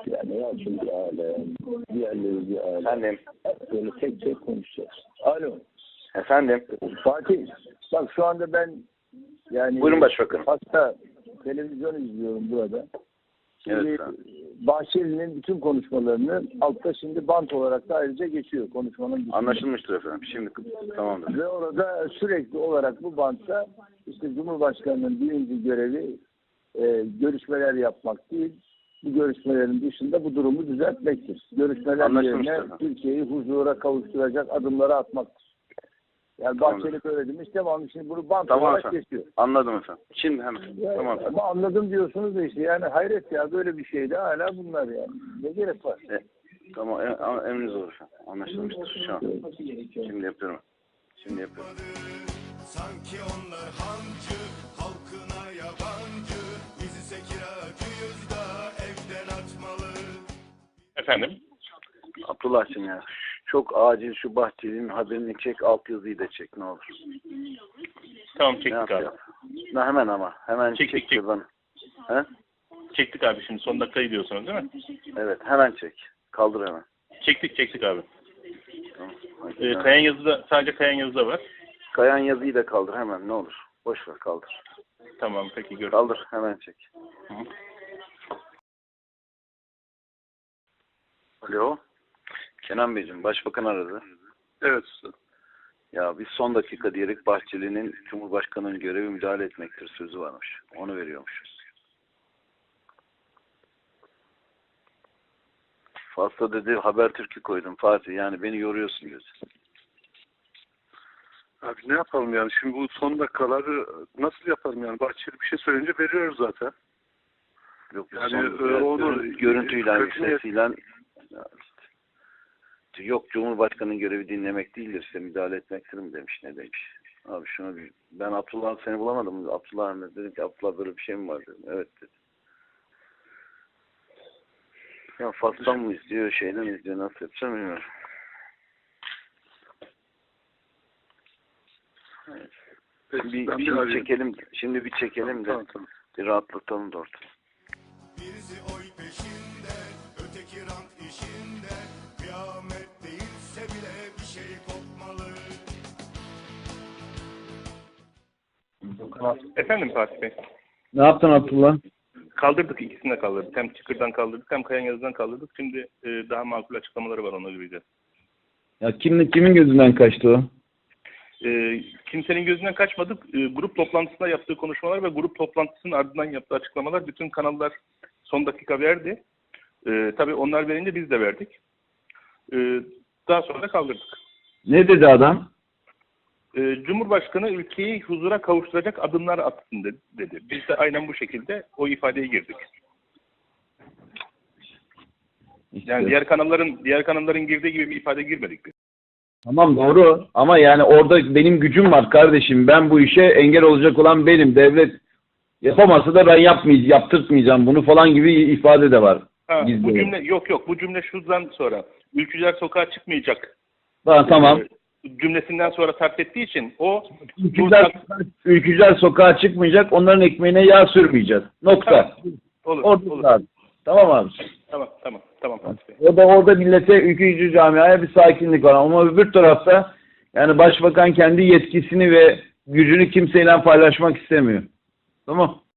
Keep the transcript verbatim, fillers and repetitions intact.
yani. Ya şimdi aile, diğerleri bir aile. Efendim. Böyle tek tek konuşacağız. Alo. Efendim. Fatih, bak şu anda ben yani Buyurun başbakanım. hatta televizyon izliyorum burada. Şimdi Evet, Bahçeli'nin bütün konuşmalarını altta şimdi bant olarak da ayrıca geçiyor konuşmanın dışında. Anlaşılmıştır efendim. Şimdi tamamdır. Ve orada sürekli olarak bu bantta işte Cumhurbaşkanı'nın birinci görevi e, görüşmeler yapmak değil, bu görüşmelerin dışında bu durumu düzeltmektir. Görüşmeler yerine Türkiye'yi huzura kavuşturacak adımları atmaktır. Yani Tamam. Bahçeli böyle demiş, tamam, şimdi bunu bant Tamam olarak efendim. geçiyor. Anladım efendim. Şimdi hemen. Yani, Tamam efendim. ama anladım diyorsunuz da işte yani hayret ya, böyle bir şeyde hala bunlar yani. Ne gerek var? E, tamam. Em, emriniz olur efendim. Anlaşılmıştır şu an. Şimdi yapıyorum. Şimdi yapıyorum. Sanki onlar hancı, halkına yabancı, bizi ise kiracıyız da evden atmalı. Efendim? Abdullah'cığım ya. Çok acil şu Bahçeli'nin haberini çek, altyazıyı da çek ne olur. Tamam, Ne çektik abi. yapacağız? Ne hemen ama. Hemen Çektik, çek çektik. şuradan. He? Çektik abi, şimdi son dakikayı diyorsunuz değil mi? Evet, hemen çek. Kaldır hemen. Çektik çektik abi. Tamam. Ee, kayan yazıda, sadece kayan yazıda var. Kayan yazıyı da kaldır hemen ne olur. Boş ver, kaldır. Tamam, peki görüşürüz. Kaldır, hemen çek. Hı hı. Alo. Kenan Beyciğim, Başbakan aradı. Evet usta. Ya biz son dakika diyerek Bahçeli'nin Cumhurbaşkanı'nın görevi müdahale etmektir sözü varmış. Onu veriyormuşuz. Fazla dedi Habertürk'ü koydum Fatih. Yani beni yoruyorsun diyorsun. Abi ne yapalım yani? Şimdi bu son dakikaları nasıl yapalım yani? Bahçeli bir şey söyleyince veriyoruz zaten. Yok Yani, son, e, onu- görün- görüntüyle, kötü niyet- sesiyle ya işte, yok Cumhurbaşkanı'nın görevi dinlemek değildir işte müdahale etmektir mi demiş, ne demiş. Abi şunu bir, ben Abdullah seni bulamadım. Abdullah ne dedim ki Abdullah böyle bir şey mi var dedim. Evet dedi. Ya Fas'tan mı izliyor, şeyden mi izliyor, nasıl yapacağım bilmiyorum. Evet. Peki, Bir, ben bir şimdi arayayım. çekelim, şimdi bir çekelim de Tamam, tamam. bir rahatlatalım da ortalığı. Birisi oy peşinde, öteki rant işinde, kıyamet değilse bile bir şey kopmalı. Efendim Fatih Bey. Ne yaptın Abdullah? Kaldırdık, ikisini de kaldırdık. Hem Çıkır'dan kaldırdık hem kayan yazıdan kaldırdık. Şimdi e, daha makul açıklamaları var, ona göreceğiz. Ya kimin kimin gözünden kaçtı o? E, kimsenin gözünden kaçmadık. E, grup toplantısında yaptığı konuşmalar ve grup toplantısının ardından yaptığı açıklamalar bütün kanallar son dakika verdi. E, tabii onlar verince biz de verdik. E, daha sonra da kaldırdık. Ne dedi adam? E, Cumhurbaşkanı ülkeyi huzura kavuşturacak adımlar atsın dedi, dedi. Biz de aynen bu şekilde o ifadeye girdik. İşte. Yani diğer kanalların diğer kanalların girdiği gibi bir ifade girmedik biz. Tamam doğru ama yani orada benim gücüm var kardeşim. Ben bu işe engel olacak olan benim. Devlet yapamazsa da ben yapmayacağım, yaptırtmayacağım bunu falan gibi ifade de var. Ha, Gizli. bu cümle yok yok bu cümle şuradan sonra ülkücüler sokağa çıkmayacak. Ha, tamam. e, cümlesinden sonra sarf ettiği için o Ülkücüler, ülkücüler sokağa çıkmayacak, onların ekmeğine yağ sürmeyeceğiz. Nokta. Tamam. Olur, Orada olur. abi. Tamam abi. Tamam, tamam, tamam Fatih Bey. Orada, orada millete, ülkücü camiaya bir sakinlik var. Ama öbür tarafta yani başbakan kendi yetkisini ve gücünü kimseyle paylaşmak istemiyor. Tamam.